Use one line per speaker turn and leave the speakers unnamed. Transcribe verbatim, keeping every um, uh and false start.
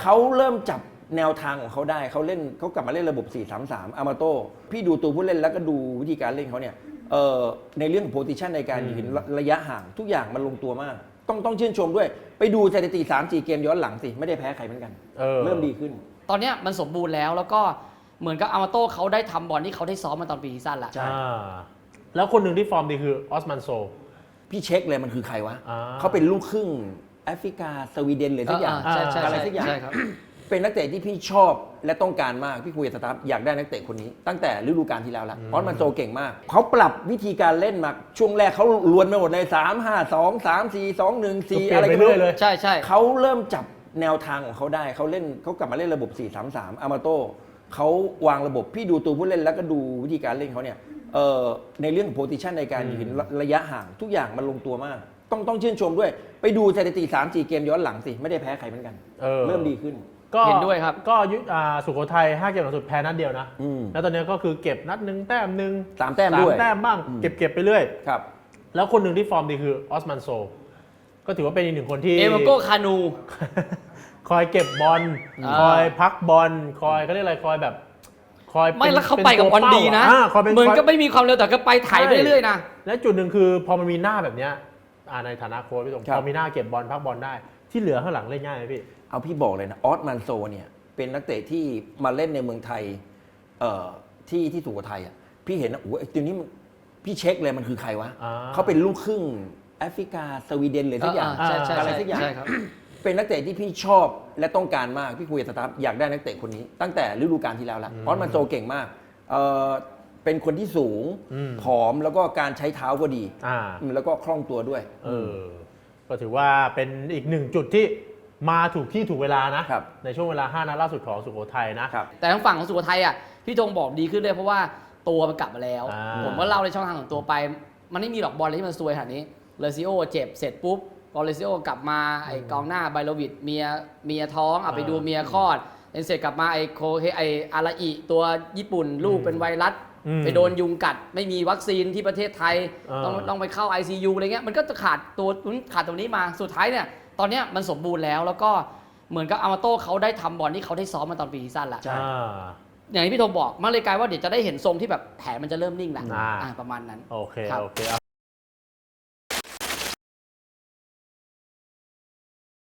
เขาเริ่มจับแนวทางของเขาได้เขาเล่นเขากลับมาเล่นระบบ สี่ สาม สาม อามาโต้พี่ดูตัวผู้เล่นแล้วก็ดูวิธีการเล่นเขาเนี่ยเอ่อในเรื่องของโพซิชันในการยืนระยะห่างทุกอย่างมันลงตัวมากต้องต้องชื่นชมด้วยไปดูสถิติ สาม สี่ เกมย้อนหลังสิไม่ได้แพ้ใครเหมือนกัน
เออ
เริ่มดีขึ้น
ตอนเนี้ยมันสมบูรณ์แล้วแล้วก็เหมือนกับอามาโต้เขาได้ทำบอลที่เขาได้ซ้อมมาตอนปีซีซั่นแล้ว
ใช่
อ่าแล้วคนหนึ่งที่ฟอร์มดีคือออสมันโซ
พี่เช็คเลยมันคือใครวะ
อ่า
เขาเป็นลูกครึ่งแอฟริกาสวีเดนหรือสักอย่าง
ใช่ใช่
อะไรสักอย่าง
ใช่ครับ
เป็นนักเตะที่พี่ชอบและต้องการมากพี่คุยกับสตาฟอยากได้นักเตะคนนี้ตั้งแต่ฤดูกาลที่แล้วแล้วเพราะมันโตเก่งมากเขาปรับวิธีการเล่นมาช่วงแรกเขาลวนไปหมดเลยสาม ห้า สอง สาม สี่ สอง หนึ่ง สี่
เปลี่ยน
อะไร
ไป
ก็
เรื่
ไม่
อยเล
รู้
ย
ใช่ใช่
เขาเริ่มจับแนวทางของเขาได้เขาเล่นเขากลับมาเล่นระบบ สี่ สาม สาม อามาโต้เขาวางระบบพี่ดูตัวผู้เล่นแล้วก็ดูวิธีการเล่นเขาเนี่ยเอ่อในเรื่องของโพซิชันในการยืนระยะห่างทุกอย่างมันลงตัวมากต้องต้องชื่นชมด้วยไปดูสถิติ สาม สี่ เกมย้อนหลังสิไม่ได้แพ้ใครเหมือนกัน
เออ
เริ่มดีขึ้น
ก็
เห็นด้วยครับ
ก็ยุอ่าสุโขทัยห้าเกมหลังสุดแพ้นัดเดียวนะ
อืม
แล้วตอนนี้ก็คือเก็บนัดหนึ่งแต้มหนึ่ง
สามแต้มด้วย
แต้มบ้าง
อืม
เก็บเก็บไปเรื่อย
ครับ
แล้วคนหนึ่งที่ฟอร์มดีคือออสมันโซก็ถือว่าเป็นอีกหนึ่งคนที่
เอเมโกคานู
คอยเก็บบอล
อ่า
คอยพักบอลคอยเขาเรียกอะไรคอยแบบคอย
ไม่
ป็น
แล้วเขาไปกับบอลดีนะ
อ่าคอยเป็น
เหมือน
คอย
ก็ไม่มีความเร็วแต่ก็ไปไถ่ายไปเรื่อยๆนะ
และจุดหนึ่งคือพอมันมีหน้าแบบเนี้ยอ่าในฐานะโค้ชพี่ตง
ครับ
พอมีหน้าเก็บบอลพักบอลได้ ที่เหลือข้างหลังเล่นง่ายไหมพี่
เอาพี่บอกเลยนะออสมันโซเนี่ยเป็นนักเตะที่มาเล่นในเมืองไทยเอ่อที่ที่สุโขทัยอ่ะพี่เห็นนะโอ้โหไอ้ตัวนี้มันพี่เช็คเลยมันคือใครวะ
อ่า
เขาเป็นลูกครึ่งแอฟริกาสวีเดนหรือสักอย่าง
ใช่ใช่
อะไร
ใช่
สักอย่าง
ใช่ครับ
เป็นนักเตะที่พี่ชอบและต้องการมากพี่คุยกับสตาฟอยากได้นักเตะคนนี้ ตั้งแต่ฤดูกาลที่แล้วแล้วเพราะมันโตเก่งมากเอ่อเป็นคนที่สูง
อืม
ผอมแล้วก็การใช้เท้าก็ดี
อ่า
อืมแล้วก็คล่องตัวด้วย
เออก็ถือว่าเป็นอีกหนึ่งจุดที่มาถูกที่ถูกเวลานะครับ ในช่วงเวลาห้านัดล่าสุดของสุโขทัยนะครับ
แต่ทางฝั่งของสุโขทัยอ่ะพี่ธงบอกดีขึ้นเลยเพราะว่าตัวมันกลับมาแล้ว
อ่า
ผมก็เล่าในช่องทางของตัวไป มันไม่มีหรอกบอลอะไรที่มันซวยขนาดนี้เลซิโอเจ็บเสร็จปุ๊บพอเลซิโอกลับมาไอ้กองหน้าไบโลวิดเมียเมียท้องอ่ะไปดูเมียคลอดเสร็จกลับมาไอ้โคเฮไอ้อาราอิตัวญี่ปุ่นลูกเป็นไวรัส
อืม
ไปโดนยุงกัดไม่มีวัคซีนที่ประเทศไทย
อ่า
ต้องต้องไปเข้า ไอ ซี ยู อะไรเงี้ยมันก็จะขาดตัวขาดตรงนี้มาสุดท้ายเนี่ยตอนเนี้ยมันสมบูรณ์แล้วแล้วก็เหมือนกับอามาโต้เขาได้ทำบอลที่เขาได้ซ้อมมาตอนปีซีซั่นแล้ว
ใช่
อ่า
อย่างที่พี่โทบอกมันเลยกลายว่าเดี๋ยวจะได้เห็นทรงที่แบบแผนมันจะเริ่มนิ่งแล้ว
อ่า
อ่าประมาณนั้น
โอเค
ครับ
โอเคเอา